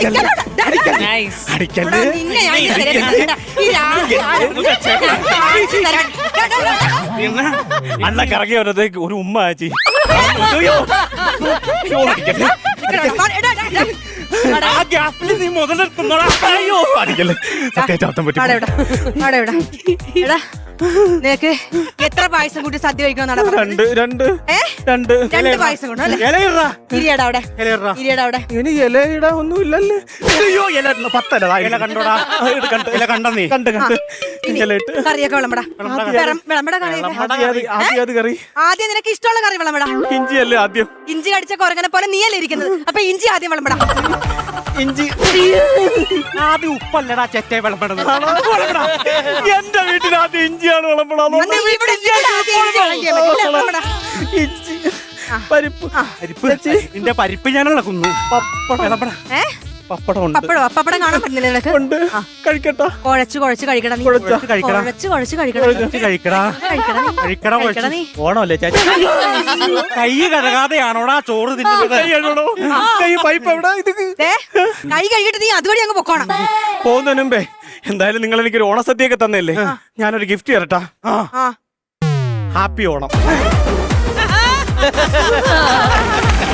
അടിക്കല്ലേ അല്ല കറങ്ങി വന്നതേക്ക് ഒരു ഉമ്മ ആച്ചി. നീ മുതലെടുക്കുന്നോടാ. അയ്യോ അടിക്കല്ലേ. സത്യാറ്റം പറ്റി. നിനക്ക് എത്ര പായസം കൂട്ടി സദ്യ കഴിക്കണമെന്നാണ്? രണ്ട് പായസം കൊണ്ടു ഇരിയടാ അവിടെ. ഇനി ഇലയിട ഒന്നും ഇല്ലല്ലേ. അയ്യോ ഇല 10 ഇല കണ്ടോടാ. ഇല കണ്ട നീ കണ്ട് കറിയൊക്കെ വിളമ്പടാ. കറി ആദ്യം നിനക്ക് ഇഷ്ടമുള്ള കറി വിളമ്പടാ. ഇഞ്ചി അല്ലേ ആദ്യം? ഇഞ്ചി കടിച്ച കൊരങ്ങനെ പോലെ നീയല്ലേ ഇരിക്കുന്നത്. അപ്പൊ ഇഞ്ചി ആദ്യം വിളമ്പടാ. ഇഞ്ചി ആദ്യം ഉപ്പല്ലടാ ചെറ്റ വിളമ്പണത്. എന്റെ വീട്ടിൽ ആദ്യം ഇഞ്ചിയാണ് വിളമ്പണം. ഇഞ്ചി പരിപ്പ് നിന്റെ പരിപ്പ് ഞാനുള്ള കുന്നു. പപ്പടം കാണാൻ പറ്റുന്നില്ല. കഴിക്കട്ടോ. കുഴച്ച് കഴിക്കണം. ഓണമല്ലേ ചേച്ചി? കൈ കഴുകാതെയാണോടാ ചോറ് തിന്നുന്നത്? കൈ പൈപ്പ് എവിടെ? കൈ കഴുകിട്ട് നീ അതുവഴി അങ്ങ് പൊക്കോണം. പോകുന്നതിന് മുമ്പേ എന്തായാലും നിങ്ങൾ എനിക്കൊരു ഓണസദ്യയൊക്കെ തന്നല്ലേ, ഞാനൊരു ഗിഫ്റ്റ് തരട്ടാ. ഹാപ്പി ഓണം.